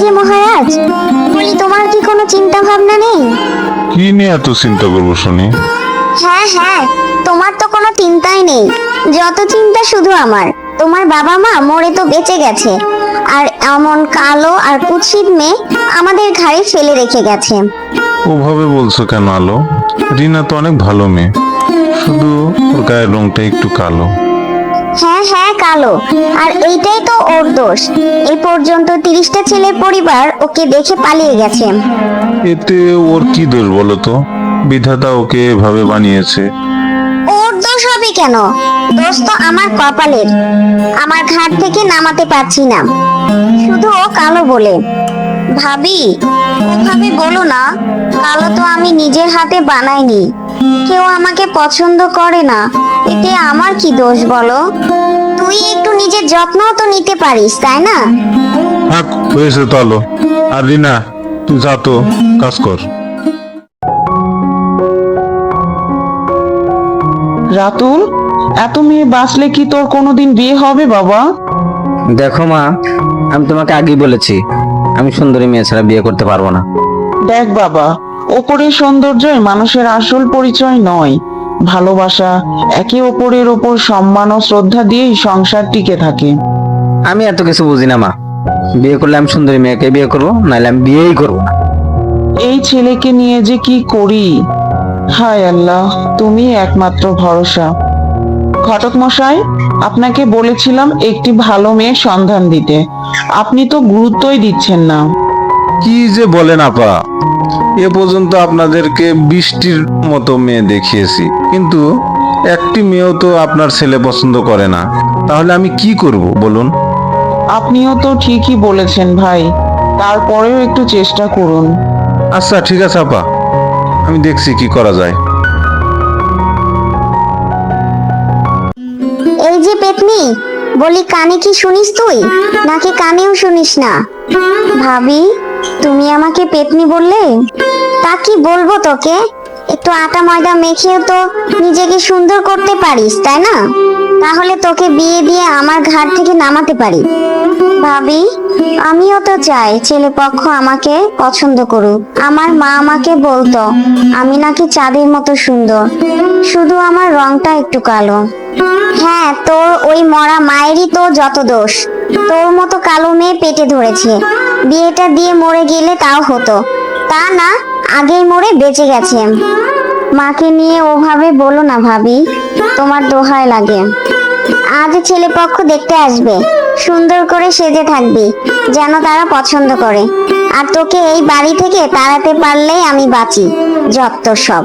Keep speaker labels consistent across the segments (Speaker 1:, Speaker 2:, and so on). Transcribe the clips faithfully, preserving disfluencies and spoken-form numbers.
Speaker 1: আগে মহারাজ, বলি তোমার কি কোনো চিন্তা ভাবনা নেই?
Speaker 2: কি নিয়ে এত চিন্তা করবো শুনি?
Speaker 1: হ্যাঁ হ্যাঁ, তোমার তো কোনো চিন্তাই নেই, যত চিন্তা শুধু আমার। তোমার বাবা মা মরে তো বেঁচে গেছে, আর এমন কালো আর কুৎসিত মেয়ে আমাদের ঘাড়ে ফেলে রেখে গেছে।
Speaker 2: ওভাবে বলছো কেন আলো? রিনা তো অনেক ভালো মেয়ে, শুধু ওর গায়ের রংটা একটু কালো।
Speaker 1: হ্যাঁ হ্যাঁ, কালো, আর এইটাই তো ওর দোষ। এই পর্যন্ত তিরিশটা ছেলের পরিবার ওকে দেখে পালিয়ে গেছে।
Speaker 2: এতে ওর কি দোষ বলো তো? বিধাতা ওকে এভাবে বানিয়েছে।
Speaker 1: ওর দোষ হবে কেন? দোষ তো আমার কপালের। আমার ঘাট থেকে নামাতে পারছি না, শুধু ও কালো বলে। ভাবি, ওভাবে বলো না। কালো তো আমি নিজের হাতে বানাইনি। কেউ আমাকে পছন্দ করে না, এতে আমার কি দোষ বলো? তুই একটু নিজের যত্নও তো নিতে পারিস, তাই না?
Speaker 2: থাক, হয়েছে তো আলো। আর রিনা, তুই যা তো কাজ কর।
Speaker 3: রাতুল, এত মেয়ে বাঁচলে কি তোর কোনোদিন বিয়ে হবে বাবা?
Speaker 4: দেখো মা, আমি তোমাকে আগেই বলেছি আমি সুন্দরী মেয়ে ছাড়া বিয়ে করতে পারবো না।
Speaker 3: দেখ বাবা, ওপরের সৌন্দর্যই মানুষের আসল পরিচয় নয়। ভালোবাসা, একে অপরের ওপর সম্মান ও শ্রদ্ধা দিয়েই সংসার টিকে থাকে।
Speaker 4: আমি এত কিছু বুঝি না মা। বিয়ে করলে আমি সুন্দরী মেয়েকে বিয়ে করবো, নাহলে আমি বিয়েই করবো না।
Speaker 3: এই ছেলেকে নিয়ে যে কি করি। হায় আল্লাহ, তুমি একমাত্র ভরসা। ঘটক মশাই, আপনাকে বলেছিলাম একটি ভালো মেয়ের সন্ধান দিতে, আপনি তো গুরুত্বই দিচ্ছেন না।
Speaker 2: কি যে বলেন আপা, এ পর্যন্ত আপনাদেরকে বৃষ্টির মতো মেয়ে দেখিয়েছি, কিন্তু একটি মেয়েও তো আপনার ছেলে পছন্দ করে না। তাহলে আমি কি করব বলুন?
Speaker 3: আপনিও তো ঠিকই বলেছেন ভাই, তারপরেও একটু চেষ্টা করুন।
Speaker 2: আচ্ছা ঠিক আছে আপা, আমি দেখছি কি করা যায়।
Speaker 1: এই যে পেতনি, বলি কানে কি শুনিস তুই, নাকি কানেও শুনিস না? ভাবি, তুমি আমাকে পেতনি বললে, তা কি বলবো তোকে? একটু আটা ময়দা মেখেও তো নিজেকে সুন্দর করতে পারিস, তাই না? তাহলে তোকে বিয়ে দিয়ে আমার ঘাট থেকে নামাতে পারি। ভাবি, আমিও তো চাই ছেলে পক্ষ আমাকে পছন্দ করুক। আমার মা আমাকে বলতো আমি নাকি চাঁদের মতো সুন্দর, শুধু আমার রংটা একটু কালো। হ্যাঁ, তোর ওই মরা মায়েরই তো যত দোষ। তোর মতো কালো মেয়ে পেটে ধরেছে। বিয়েটা দিয়ে মরে গেলে তাও হতো, তা না, আগেই মরে বেঁচে গেছে। মাকে নিয়ে ওভাবে বলো না ভাবি, তোমার দোহাই লাগে। আজ ছেলে পক্ষ দেখতে আসবে, সুন্দর করে সেজে থাকবি, যেন তারা পছন্দ করে। আর তোকে এই বাড়ি থেকে তাড়াতে পারলেই আমি বাঁচি। যত সব।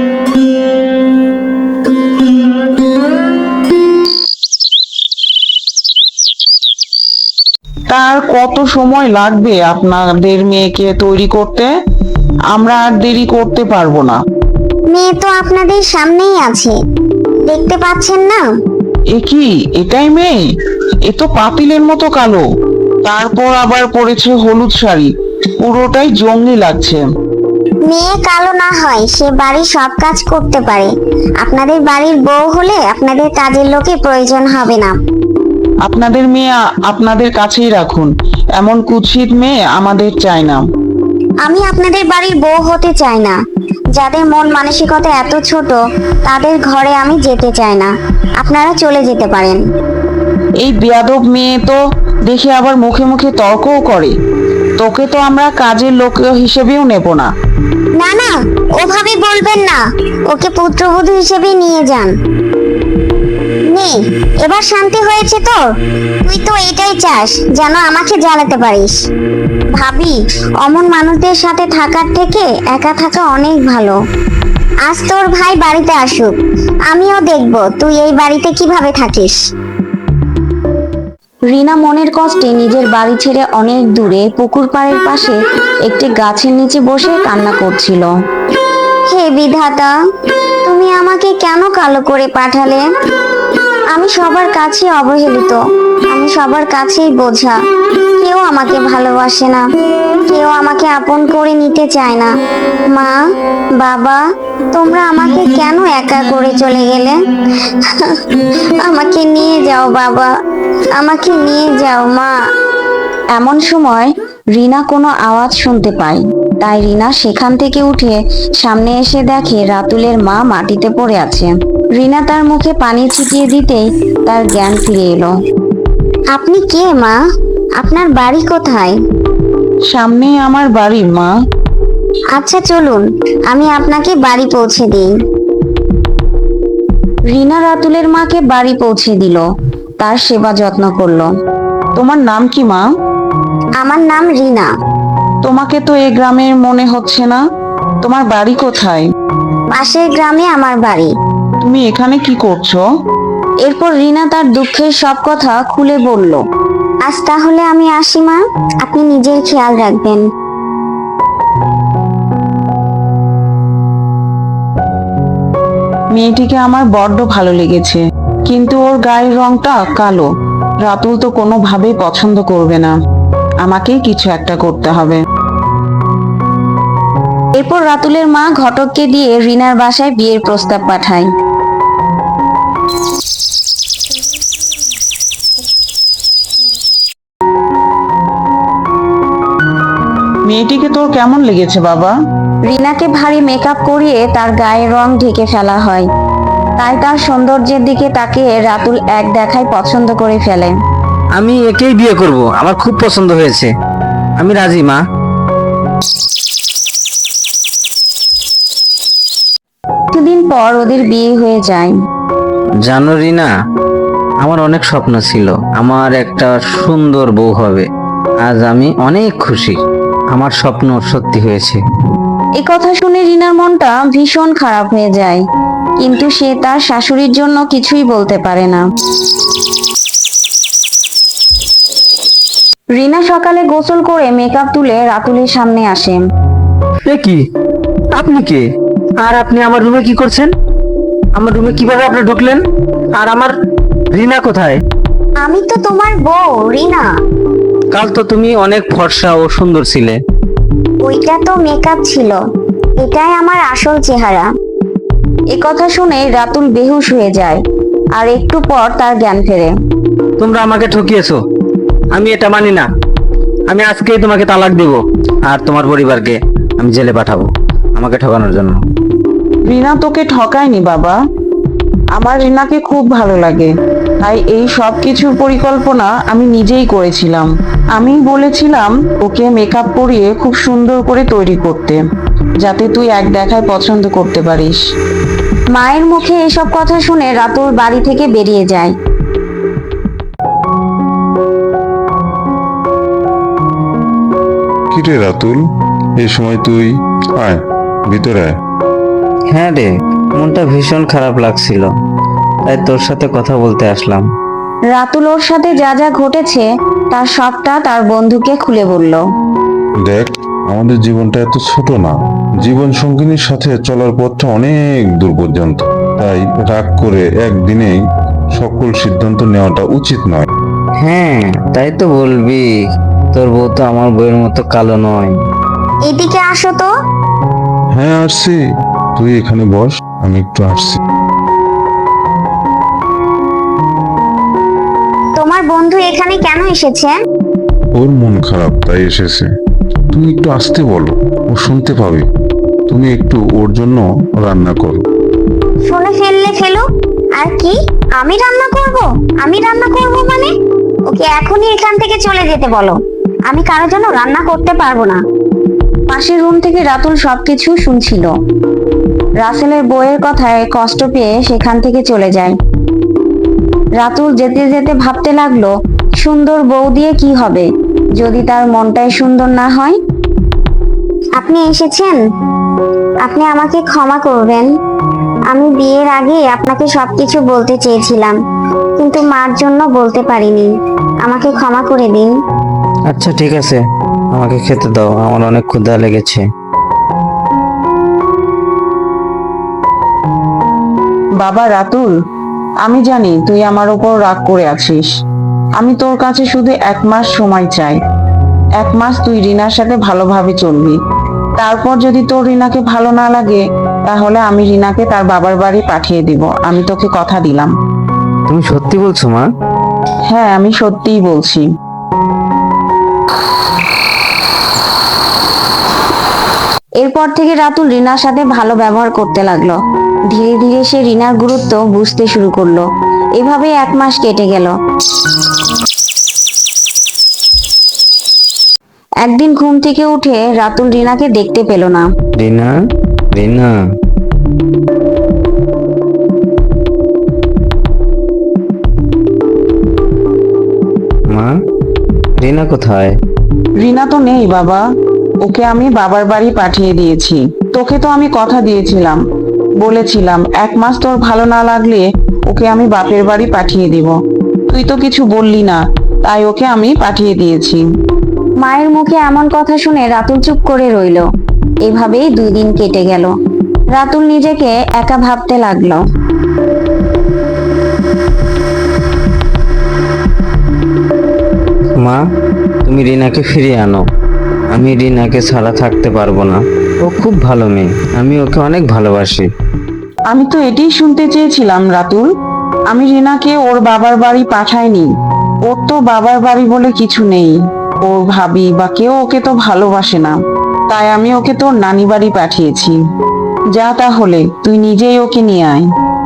Speaker 3: তার কত সময় লাগবে আপনাদের মেয়েকে তৈরি করতে? আমরা আর দেরি করতে পারবো না।
Speaker 1: মেয়ে তো আপনাদের সামনেই আছে, দেখতে পাচ্ছেন না?
Speaker 3: এ কি, এটাই মেয়ে? এ তো পাতিলের মতো কালো, তারপর আবার পরেছে হলুদ শাড়ি, পুরোটাই জঙ্গলি লাগছে।
Speaker 1: মেয়ে কালো না হয় সে বাড়ির সব কাজ করতে পারে। আপনাদের বাড়ির বউ হলে আপনাদের কাজের লোকের প্রয়োজন হবে না।
Speaker 3: আপনাদের মেয়ে আ- আপনাদের কাছেই রাখুন, এমন কুৎসিত মেয়ে আমাদের চাই না।
Speaker 1: আমি আপনাদের বাড়ির বউ হতে চাই না। যাদের মন মানসিকতা এত ছোট, তাদের ঘরে আমি যেতে চাই না। আপনারা চলে যেতে পারেন।
Speaker 3: এই বেয়াদব মেয়ে তো দেখে আবার মুখে মুখে তর্কও করে। তোকে তো আমরা কাজের লোক হিসেবেও নেব না।
Speaker 1: না না, ওভাবে বলবেন না। ওকে পুত্রবধূ হিসেবে নিয়ে যান। নে, এবার শান্তি হয়েছে তো? তুই তো এটাই চাস, যেন আমাকে জ্বালাতে পারিস। ভাবি, অমন মানুষদের সাথে থাকার থেকে একা থাকা অনেক ভালো। আজ তোর ভাই বাড়িতে আসুক, আমিও দেখব তুই এই বাড়িতে কিভাবে থাকিস।
Speaker 5: রিনা মনের কষ্টে নিজের বাড়ি ছেড়ে অনেক দূরে পুকুর পাড়ের পাশে একটি গাছের নিচে বসে কান্না করছিল।
Speaker 1: হে বিধাতা, তুমি আমাকে কেন কালো করে পাঠালে? আমি সবার কাছে অবহেলিত, আমি সবার কাছেই বোঝা। কেউ আমাকে ভালোবাসে না, কেউ আমাকে আপন করে নিতে চায় না। মা, বাবা, তোমরা আমাকে কেন একা করে চলে গেলে? আমাকে নিয়ে যাও বাবা, আমাকে নিয়ে যাও মা।
Speaker 5: এমন সময় রিনা কোনো আওয়াজ শুনতে পায়। তাই রিনা সেখান থেকে উঠে সামনে এসে দেখে রাতুলের মা মাটিতে পড়ে আছে। রিনা তার মুখে পানি ছিটিয়ে দিতেই তার জ্ঞান ফিরে এলো।
Speaker 1: আপনি কে মা? আপনার বাড়ি কোথায়?
Speaker 3: সামনেই আমার বাড়ি মা।
Speaker 1: আচ্ছা চলুন, আমি আপনাকে বাড়ি পৌঁছে দিই।
Speaker 5: রিনা রাতুলের মাকে বাড়ি পৌঁছে দিল, তার সেবা যত্ন করলো।
Speaker 3: তোমার নাম কি মা?
Speaker 1: আমার নাম রিনা।
Speaker 3: তোমাকে তো এ গ্রামের মনে হচ্ছে না। তোমার বাড়ি কোথায়?
Speaker 1: পাশের গ্রামে আমার বাড়ি।
Speaker 3: তুমি এখানে কি করছো?
Speaker 5: এরপর রিনা তার দুঃখের সব কথা খুলে বলল।
Speaker 1: আজ তাহলে আমি আসি মা, আপনি নিজের খেয়াল রাখবেন।
Speaker 3: মেয়েটিকে আমার বড্ড ভালো লেগেছে, কিন্তু ওর গায়ের রংটা কালো। রাতুল তো কোনোভাবেই পছন্দ করবে না। আমাকেই কিছু একটা করতে হবে।
Speaker 5: এরপর রাতুলের মা ঘটককে দিয়ে রিনার বাসায় বিয়ের প্রস্তাব পাঠায়।
Speaker 3: মেয়েটিকে তোর কেমন লেগেছে বাবা?
Speaker 5: রিনাকে ভারী মেকআপ করিয়ে তার গায়ের রং ঢেকে ফেলা হয়। তাই তার সৌন্দর্যের দিকে তাকিয়ে রাতুল এক দেখায় পছন্দ করে ফেলে।
Speaker 4: আমি একেই বিয়ে করব, আমার খুব পছন্দ হয়েছে, আমি রাজি মা।
Speaker 5: কিছুদিন পর ওদের বিয়ে হয়ে যায়।
Speaker 4: জানো রিনা, আমার অনেক স্বপ্ন ছিল আমার একটা সুন্দর বউ হবে। আজ আমি অনেক খুশি, আমার স্বপ্ন সত্যি হয়েছে।
Speaker 5: এ কথা শুনে রিনার মনটা ভীষণ খারাপ হয়ে যায়, কিন্তু সে তার শাশুড়ির জন্য কিছুই বলতে পারে না। রিনা সকালে গোসল করে মেকআপ তুলে রাতুলের সামনে আসে।
Speaker 4: এ কি, আপনি কে? আর আপনি আমার রুমে কি করছেন? আমার রুমে কিভাবে আপনি ঢুকলেন? আর আমার রিনা কোথায়?
Speaker 1: আমি তো তোমার বউ রিনা।
Speaker 4: কাল তো তুমি অনেক ফর্সা ও সুন্দর ছিলে।
Speaker 1: ওইটা তো মেকআপ ছিল, এটাই আমার আসল চেহারা।
Speaker 5: এ কথা শুনে রাতুল বেহুশ হয়ে যায়, আর একটু পর তার জ্ঞান ফেরে।
Speaker 4: তোমরা আমাকে ঠকিয়েছো, আমি এটা মানি না। আমি আজকেই তোমাকে তালাক দেব, আর তোমার পরিবারকে আমি জেলে পাঠাবো আমাকে ঠকানোর জন্য।
Speaker 3: রিনা তোকে ঠকায়নি বাবা। আমার রিনাকে খুব ভালো লাগে, তাই এই সব কিছুর পরিকল্পনা আমি নিজেই করেছিলাম। আমি বলেছিলাম ওকে মেকআপ করিয়ে খুব সুন্দর করে তৈরি করতে, যাতে তুই এক দেখায় পছন্দ করতে পারিস।
Speaker 5: মায়ের মুখে এসব কথা শুনে রাতুল বাড়ি থেকে বেরিয়ে যায়।
Speaker 2: কিরে রাতুল, এই সময় তুই? আয় ভিতরে আয়।
Speaker 4: হ্যাঁ রে, মনটা ভীষণ খারাপ লাগছিল, তাই তোর সাথে কথা বলতে আসলাম।
Speaker 5: রাতুল ওর সাথে যা যা ঘটেছে তার সবটা তার বন্ধুকে খুলে বলল।
Speaker 2: দেখ, আমাদের জীবনটা এত ছোট না, জীবন সঙ্গিনীর সাথে চলার পথটা অনেক দূর পর্যন্ত। তাই রাগ করে একদিনেই সকল সিদ্ধান্ত নেওয়াটা উচিত নয়।
Speaker 4: হ্যাঁ, তাই তো বলবি। তোর বউ তো আমার বউয়ের মতো কালো নয়।
Speaker 1: এদিকে আসো তো।
Speaker 2: হ্যাঁ আসছি, তুই এখানে বস, আমি একটু আসছি।
Speaker 1: তোমার বন্ধু এখানে কেন এসেছে?
Speaker 2: ওর মন খারাপ তাই এসেছে। তুমি একটু আসতে বলো, ও শুনতে পাবে। তুমি একটু ওর জন্য রান্না করো।
Speaker 1: শুনে ফেললে ফেলো। আর কি, আমি রান্না করব? আমি রান্না করব মানে? ওকে এখনই এখান থেকে চলে যেতে বলো। আমি কারোর জন্য রান্না করতে পারবো না।
Speaker 5: পাশের রুম থেকে রাতুল সবকিছু শুনছিল। রাসেলের বউয়ের কথায় কষ্ট পেয়ে সেখান থেকে চলে যায়। রাতুল যেতে যেতে ভাবতে লাগলো, সুন্দর বউ দিয়ে কি হবে যদি তার মনটাই সুন্দর না হয়।
Speaker 1: আপনি এসেছেন, আপনি আমাকে ক্ষমা করবেন। আমি বিয়ের আগে আপনাকে সবকিছু বলতে চেয়েছিলাম, কিন্তু মার জন্য বলতে পারিনি। আমাকে ক্ষমা করে দিন।
Speaker 4: আচ্ছা ঠিক আছে, আমাকে খেতে দাও, আমার অনেক ক্ষুধা লেগেছে।
Speaker 3: বাবা রাতুল, আমি জানি তুই আমার উপর রাগ করে আছিস। আমি তোর কাছে শুধু এক মাস সময় চাই। এক মাস তুই রিনার সাথে ভালোভাবে চলবি। তারপর যদি তোর রিনাকে ভালো না লাগে, তাহলে আমি রিনাকে তার বাবার বাড়ি পাঠিয়ে দিব। আমি তোকে কথা দিলাম।
Speaker 4: তুমি সত্যি বলছো মা?
Speaker 3: হ্যাঁ, আমি সত্যিই বলছি।
Speaker 5: এরপর থেকে রাতুল রিনার সাথে ভালো ব্যবহার করতে লাগলো। ধীরে ধীরে সে রিনার গুরুত্ব বুঝতে শুরু করলো। এভাবে এক মাস কেটে গেল। একদিন ঘুম থেকে উঠে রাতুল রিনাকে দেখতে পেল না।
Speaker 4: রিনা, রিনা, মা, রিনা কোথায়?
Speaker 3: রিনা তো নেই বাবা, ওকে আমি বাবার বাড়ি পাঠিয়ে দিয়েছি। তোকে তো আমি কথা দিয়েছিলাম, বলেছিলাম এক মাস তোর ভালো না লাগলে ওকে আমি বাপের বাড়ি পাঠিয়ে দিব। তুই তো কিছু বললি না, তাই ওকে আমি পাঠিয়ে দিয়েছি।
Speaker 5: মায়ের মুখে এমন কথা শুনে রাতুল চুপ করে রইল। এভাবেই দুই দিন কেটে গেল। রাতুল নিজেকে একা ভাবতে লাগলো।
Speaker 4: মা, তুমি রিনাকে ফিরিয়ে আনো। আমি রিনাকে ছাড়া থাকতে পারবো না। ও খুব ভালো মেয়ে, আমি ওকে অনেক ভালোবাসি।
Speaker 3: আমি তো এটাই শুনতে চেয়েছিলাম রাতুল। আমি রিনাকে ওর বাবার বাড়ি পাঠাইনি। ওর তো বাবার বাড়ি বলে কিছু নেই। ওর ভাবি বা কেউ ওকে তো ভালোবাসে না, তাই আমি ওকে তোর নানি বাড়ি পাঠিয়েছি। যা তাহলে তুই নিজেই ওকে নিয়ে আয়।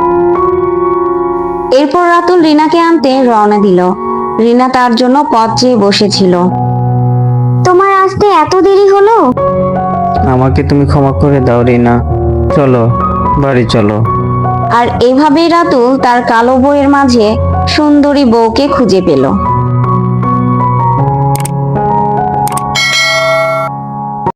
Speaker 5: এরপর রাতুল রিনাকে আনতে রওনা দিল। রিনা তার জন্য পথ চেয়ে বসেছিল।
Speaker 1: তোমার আসতে এত দেরি হলো?
Speaker 4: আমাকে তুমি ক্ষমা করে দাও রিনা, চলো বাড়ি চলো।
Speaker 5: আর এভাবেই রাতুল তার কালো বউয়ের মাঝে সুন্দরী বউকে খুঁজে পেল।